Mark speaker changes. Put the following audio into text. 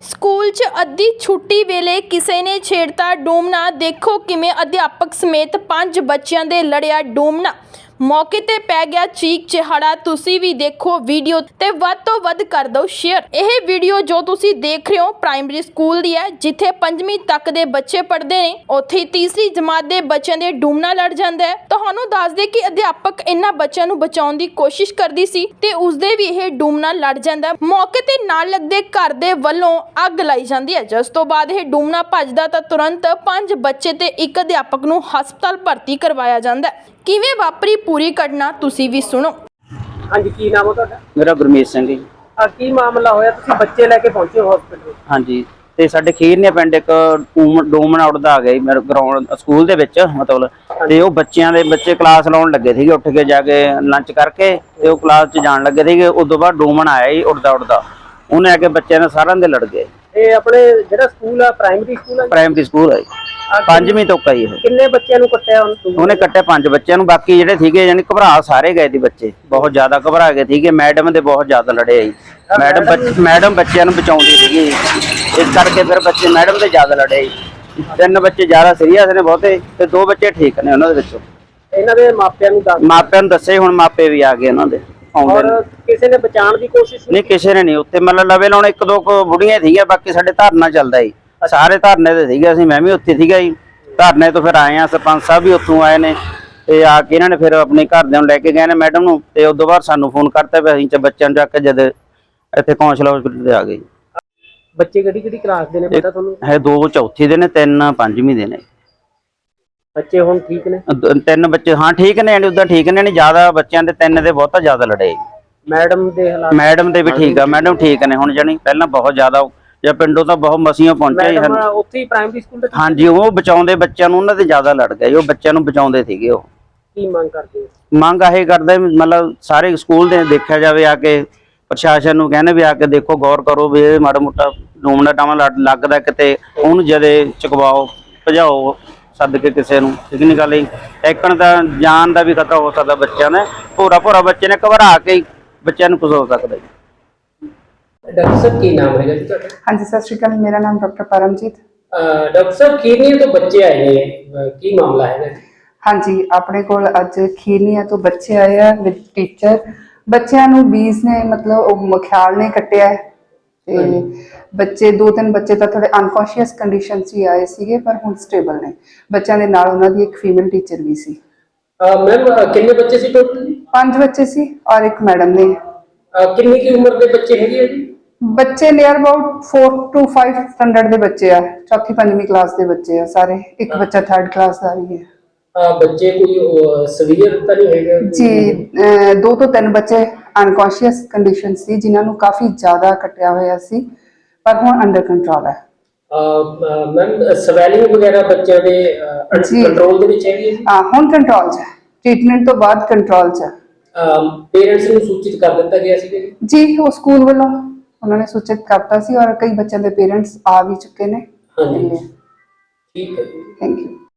Speaker 1: School 'ਚ ਅੱਧੀ ਛੁੱਟੀ ਵੇਲੇ ਕਿਸੇ ਨੇ ਛੇੜਤਾ ਡੂਮਣਾ। ਦੇਖੋ ਕਿਵੇਂ ਅਧਿਆਪਕ ਸਮੇਤ 5 ਬੱਚਿਆਂ ਦੇ ਲੜਿਆ ਡੂਮਣਾ। ਮੌਕੇ ਤੇ ਪੈ ਗਿਆ ਚੀਕ ਚਿਹਾੜਾ। ਤੁਸੀਂ ਵੀ ਦੇਖੋ ਵੀਡੀਓ ਤੇ ਵੱਧ ਤੋਂ ਵੱਧ ਕਰ ਦਿਓ ਸ਼ੇਅਰ। ਇਹ ਵੀਡੀਓ ਜੋ ਤੁਸੀਂ ਦੇਖ ਰਹੇ ਹੋ ਪ੍ਰਾਇਮਰੀ ਸਕੂਲ ਦੀ ਹੈ, ਜਿੱਥੇ 5ਵੀਂ ਤੱਕ ਦੇ ਬੱਚੇ ਪੜ੍ਹਦੇ ਨੇ। ਉੱਥੇ ਤੀਸਰੀ ਜਮਾਤ ਦੇ ਬੱਚਿਆਂ ਦੇ ਡੂਮਣਾ ਲੜ ਜਾਂਦਾ ਹੈ। ਤੁਹਾਨੂੰ ਦੱਸ ਦੇ ਕਿ ਅਧਿਆਪਕ ਇਹਨਾਂ ਬੱਚਿਆਂ ਨੂੰ ਬਚਾਉਣ ਦੀ ਕੋਸ਼ਿਸ਼ ਕਰਦੀ ਸੀ ਤੇ ਉਸਦੇ ਵੀ ਇਹ ਡੂਮਣਾ ਲੜ ਜਾਂਦਾ। ਮੌਕੇ ਤੇ ਨਾਲ ਲੱਗਦੇ ਘਰ ਦੇ ਵੱਲੋਂ ਅੱਗ ਲਾਈ ਜਾਂਦੀ ਹੈ, ਜਿਸ ਤੋਂ ਬਾਅਦ ਇਹ ਡੂਮਣਾ ਭੱਜਦਾ ਤਾਂ ਤੁਰੰਤ 5 ਬੱਚੇ ਤੇ ਇੱਕ ਅਧਿਆਪਕ ਨੂੰ ਹਸਪਤਾਲ ਭਰਤੀ ਕਰਵਾਇਆ ਜਾਂਦਾ ਹੈ। ਕਿਵੇਂ ਵਾਪਰੀ ਪੂਰੀ ਘਟਨਾ ਤੁਸੀਂ ਵੀ ਸੁਣੋ।
Speaker 2: ਹਾਂਜੀ, ਕੀ ਨਾਮ ਹੈ ਤੁਹਾਡਾ?
Speaker 3: मेरा गुरमीत सिंह जी।
Speaker 2: ਕੀ ਮਾਮਲਾ ਹੋਇਆ? ਤੁਸੀਂ ਬੱਚੇ ਲੈ ਕੇ ਪਹੁੰਚੇ ਹੋ ਹਸਪੀਟਲ?
Speaker 3: हाँ जी, ਤੇ ਸਾਡੇ ਖੀਰਨੇ ਪਿੰਡ ਇੱਕ ਡੂਮਣਾ ਉੱਡਦਾ ਆ ਗਿਆ ਜੀ ਮੇਰੇ ਗਰਾਊਂਡ ਸਕੂਲ ਦੇ ਵਿੱਚ। ਮਤਲਬ ਤੇ ਉਹ ਬੱਚੇ ਕਲਾਸ ਲਾਉਣ ਲੱਗੇ ਸੀਗੇ, ਉੱਠ ਕੇ ਜਾ ਕੇ ਲੰਚ ਕਰਕੇ ਤੇ ਉਹ ਕਲਾਸ 'ਚ ਜਾਣ ਲੱਗੇ ਸੀਗੇ। ਉਦੋਂ ਬਾਅਦ ਡੂਮਣਾ ਆਇਆ ਜੀ ਉੱਡਦਾ ਉਹਨੇ ਆ ਕੇ ਬੱਚਿਆਂ ਨੇ ਸਾਰਿਆਂ ਦੇ ਲੜ ਗਏ।
Speaker 2: ਇਹ ਆਪਣੇ ਜਿਹੜਾ ਸਕੂਲ ਆ ਪ੍ਰਾਇਮਰੀ ਸਕੂਲ ਆ?
Speaker 3: ਪ੍ਰਾਇਮਰੀ ਸਕੂਲ ਹੈ ਜੀ, 5ਵੀਂ ਤੋਂ ਕਈ ਇਹ।
Speaker 2: ਕਿੰਨੇ ਬੱਚਿਆਂ ਨੂੰ ਕੱਟਿਆ
Speaker 3: ਉਹਨੇ ਕੱਟਿਆ 5 ਬੱਚਿਆਂ ਨੂੰ। ਬਾਕੀ ਜਿਹੜੇ ਸੀਗੇ ਯਾਨੀ ਘਬਰਾ ਸਾਰੇ ਗਏ ਸੀ ਬੱਚੇ, ਬਹੁਤ ਜ਼ਿਆਦਾ ਘਬਰਾ ਗਏ ਸੀਗੇ। ਮੈਡਮ ਦੇ ਬਹੁਤ ਜ਼ਿਆਦਾ ਲੜੇ ਜੀ। ਮੈਡਮ ਬੱਚਿਆਂ ਨੂੰ ਬਚਾਉਂਦੀ ਸੀਗੀ, ਇਸ ਕਰਕੇ ਫਿਰ ਬੱਚੇ ਮੈਡਮ ਦੇ ਜ਼ਿਆਦਾ ਲੜੇ ਜੀ। 3 ਬੱਚੇ ਜ਼ਿਆਦਾ ਸੀਰੀਅਸ ਨੇ ਬਹੁਤੇ ਤੇ 2 ਬੱਚੇ ਠੀਕ ਨੇ ਉਹਨਾਂ ਦੇ ਵਿੱਚੋਂ।
Speaker 2: ਇਹਨਾਂ ਦੇ ਮਾਪਿਆਂ ਨੂੰ
Speaker 3: ਦੱਸੇ, ਹੁਣ ਮਾਪੇ ਵੀ ਆ ਗਏ ਉਹਨਾਂ ਦੇ।
Speaker 2: ਔਰ ਕਿਸੇ ਨੇ ਬਚਾਉਣ ਦੀ ਕੋਸ਼ਿਸ਼
Speaker 3: ਨਹੀਂ, ਕਿਸੇ ਨੇ ਨਹੀਂ। ਉੱਥੇ ਮਤਲਬ ਲਵੇ ਲਾਉਣ 1-2 ਬੁੜੀਆਂ ਸੀਗੀਆਂ, ਬਾਕੀ ਸਾਡੇ ਧਰਨਾ ਚੱਲਦਾ ਜੀ। ਸਾਰੇ ਧਰਨੇ ਤੇ ਸੀਗੇ, ਅਸੀਂ ਮੈਂ ਵੀ ਉੱਥੇ ਸੀਗਾ ਜੀ। ਧਰਨੇ ਤੋਂ ਫਿਰ ਆਏ ਆ, ਸਰਪੰਚ ਸਾਹਿਬ ਵੀ ਉੱਥੋਂ ਆਏ ਨੇ ਤੇ ਆ ਕੇ ਇਹਨਾਂ ਨੇ ਫਿਰ ਆਪਣੇ ਘਰਦਿਆਂ ਨੂੰ ਲੈ ਕੇ ਗਏ ਨੇ ਮੈਡਮ ਨੂੰ। ਤੇ ਉਦੋਂ ਬਾਅਦ ਸਾਨੂੰ ਫੋਨ ਕਰਤਾ ਵੀ ਅਸੀਂ ਬੱਚਿਆਂ ਨੂੰ ਚੱਕ ਕੇ ਜਦ ਇੱਥੇ ਕੌਂਸਲ ਹਸਪੀਟਲ ਤੇ ਆ ਗਏ।
Speaker 2: ਬੱਚੇ ਕਿਹੜੀ ਕਲਾਸ ਦੇ ਨੇ ਪਤਾ ਤੁਹਾਨੂੰ?
Speaker 3: ਹੈ 2 ਚੌਥੀ ਦੇ ਨੇ, 3 5ਵੀਂ ਦੇ ਨੇ।
Speaker 2: ਬੱਚੇ ਹੁਣ ਠੀਕ ਨੇ?
Speaker 3: 3 ਬੱਚੇ ਹਾਂ ਠੀਕ ਨੇ, ਉਦਾਂ ਠੀਕ ਨੇ। ਨਹੀਂ ਜ਼ਿਆਦਾ ਬੱਚਿਆਂ ਦੇ 3 ਦੇ ਬਹੁਤਾ ਜ਼ਿਆਦਾ ਲੜੇ।
Speaker 2: ਮੈਡਮ ਦੇ ਹਾਲਾਤ?
Speaker 3: ਮੈਡਮ ਦੇ ਵੀ ਠੀਕ ਆ, ਮੈਡਮ ਠੀਕ ਨੇ ਹੁਣ। ਜਾਣੀ ਪਹਿਲਾਂ ਬਹੁਤ ਜ਼ਿਆਦਾ ਜਾਂ ਪਿੰਡੋਂ ਤਾਂ ਬਹੁਤ ਮਸੀਆਂ ਪਹੁੰਚਿਆ
Speaker 2: ਉੱਥੇ ਹੀ ਪ੍ਰਾਇਮਰੀ ਸਕੂਲ ਦੇ?
Speaker 3: ਹਾਂਜੀ, ਉਹ ਬਚਾਉਂਦੇ ਬੱਚਿਆਂ ਨੂੰ, ਉਹਨਾਂ ਦੇ ਜ਼ਿਆਦਾ ਲੜ ਗਏ। ਉਹ ਬੱਚਿਆਂ ਨੂੰ ਬਚਾਉਂਦੇ ਸੀਗੇ। ਉਹ
Speaker 2: ਕੀ ਮੰਗ ਕਰਦੇ?
Speaker 3: ਮੰਗ ਇਹ ਕਰਦੇ ਮਤਲਬ ਸਾਰੇ ਸਕੂਲ ਦੇ ਦੇਖਿਆ ਜਾਵੇ, ਆ ਕੇ ਪ੍ਰਸ਼ਾਸਨ ਨੂੰ ਕਹਿੰਦੇ ਵੀ ਆ ਕੇ ਦੇਖੋ, ਗੌਰ ਕਰੋ ਵੀ ਇਹ ਮਾੜਾ ਮੋਟਾ ਡੂਮਣਾ ਟਾਵਾਂ ਲੱਗਦਾ ਕਿਤੇ, ਉਹਨੂੰ ਜਦੇ ਚੁਕਵਾਓ, ਭਜਾਓ ਸੱਦ ਕੇ ਕਿਸੇ ਨੂੰ। ਠੀਕ ਨਹੀਂ ਗੱਲ ਜੀ। ਟੈਕਣ ਦਾ ਜਾਨ ਦਾ ਵੀ ਖਤਰਾ ਹੋ ਸਕਦਾ ਬੱਚਿਆਂ ਨੇ। ਭੋਰਾ ਬੱਚੇ ਨੇ ਘਬਰਾ ਕੇ ਬੱਚਿਆਂ ਨੂੰ ਕੁਝ ਹੋ ਸਕਦਾ ਜੀ।
Speaker 2: ਡਾਕਟਰ ਸਾਹਿਬ ਕੀ ਨਾਮ ਹੈਗਾ ਜੀ ਤੁਹਾਡਾ?
Speaker 4: ਹਾਂਜੀ, ਸਤਿ ਸ਼੍ਰੀ ਅਕਾਲ। ਮੇਰਾ ਨਾਮ ਡਾਕਟਰ ਪਰਮਜੀਤ।
Speaker 2: ਡਾਕਟਰ ਸਾਹਿਬ ਖੀਰਨੀਆ ਤੋਂ ਬੱਚੇ ਆਏ ਨੇ, ਕੀ ਮਾਮਲਾ ਹੈਗਾ?
Speaker 4: ਹਾਂਜੀ, ਆਪਣੇ ਕੋਲ ਅੱਜ ਖੀਰਨੀਆ ਤੋਂ ਬੱਚੇ ਆਏ ਆ ਵਿਦ ਟੀਚਰ। ਬੱਚਿਆਂ ਨੂੰ ਬੀਜ ਨੇ ਮਤਲਬ ਉਹ ਮਖਿਆਲ ਨੇ ਕੱਟਿਆ ਹੈ ਤੇ ਬੱਚੇ 2-3 ਬੱਚੇ ਤਾਂ ਥੋੜੇ ਅਨਕੌਂਸ਼ੀਅਸ ਕੰਡੀਸ਼ਨ 'ਚ ਹੀ ਆਏ ਸੀਗੇ, ਪਰ ਹੁਣ ਸਟੇਬਲ ਨੇ। ਬੱਚਿਆਂ ਦੇ ਨਾਲ ਉਹਨਾਂ ਦੀ ਇੱਕ ਫੀਮੇਲ ਟੀਚਰ ਵੀ ਸੀ।
Speaker 2: ਮੈਮ ਕਿੰਨੇ ਬੱਚੇ ਸੀ ਟੋਟਲ?
Speaker 4: 5 ਬੱਚੇ ਸੀ ਔਰ ਇੱਕ ਮੈਡਮ ਨੇ।
Speaker 2: ਕਿੰਨੀ ਕੀ ਉਮਰ ਦੇ ਬੱਚੇ ਹੈਗੇ ਜੀ?
Speaker 4: ਬੱਚੇ ਨੀਅਰ ਅਬਾਊਟ 4 to 5 ਸਟੈਂਡਰਡ ਦੇ ਬੱਚੇ ਆ, 4th 5ਵੀਂ ਕਲਾਸ ਦੇ ਬੱਚੇ ਆ ਸਾਰੇ। ਇੱਕ ਬੱਚਾ 3rd ਕਲਾਸ ਦਾ ਵੀ ਹੈ।
Speaker 2: ਬੱਚੇ ਕੋਈ ਸੀਵੀਅਰ ਤਾਂ ਨਹੀਂ ਹੈਗਾ
Speaker 4: ਜੀ? 2 ਤੋਂ 3 ਬੱਚੇ ਅਨਕੌਂਸ਼ੀਅਸ ਕੰਡੀਸ਼ਨ ਸੀ, ਜਿਨ੍ਹਾਂ ਨੂੰ ਕਾਫੀ ਜ਼ਿਆਦਾ ਕੱਟਿਆ ਹੋਇਆ ਸੀ, ਪਰ ਹੁਣ ਅੰਡਰ ਕੰਟਰੋਲ ਹੈ।
Speaker 2: ਮੈਮ ਸਵੈਲਿੰਗ ਵਗੈਰਾ ਬੱਚਿਆਂ ਦੇ ਕੰਟਰੋਲ ਦੇ ਵਿੱਚ ਹੈਗੀ ਹੈ?
Speaker 4: ਹੁਣ ਕੰਟਰੋਲ 'ਚ ਹੈ, ਟ੍ਰੀਟਮੈਂਟ ਤੋਂ ਬਾਅਦ ਕੰਟਰੋਲ 'ਚ ਹੈ।
Speaker 2: ਪੇਰੈਂਟਸ ਨੂੰ ਸੂਚਿਤ ਕਰ ਦਿੱਤਾ ਗਿਆ ਸੀ
Speaker 4: ਜੀ? ਉਹ ਸਕੂਲ ਵੱਲੋਂ ਉਹਨਾਂ ਨੇ ਸੂਚਿਤ ਕਰਤਾ ਸੀ ਔਰ ਕਈ ਬੱਚਿਆਂ ਦੇ ਪੇਰੈਂਟਸ ਆ ਵੀ ਚੁੱਕੇ ਨੇ।
Speaker 2: ਹਾਂਜੀ, ਠੀਕ ਹੈ।
Speaker 4: Thank you.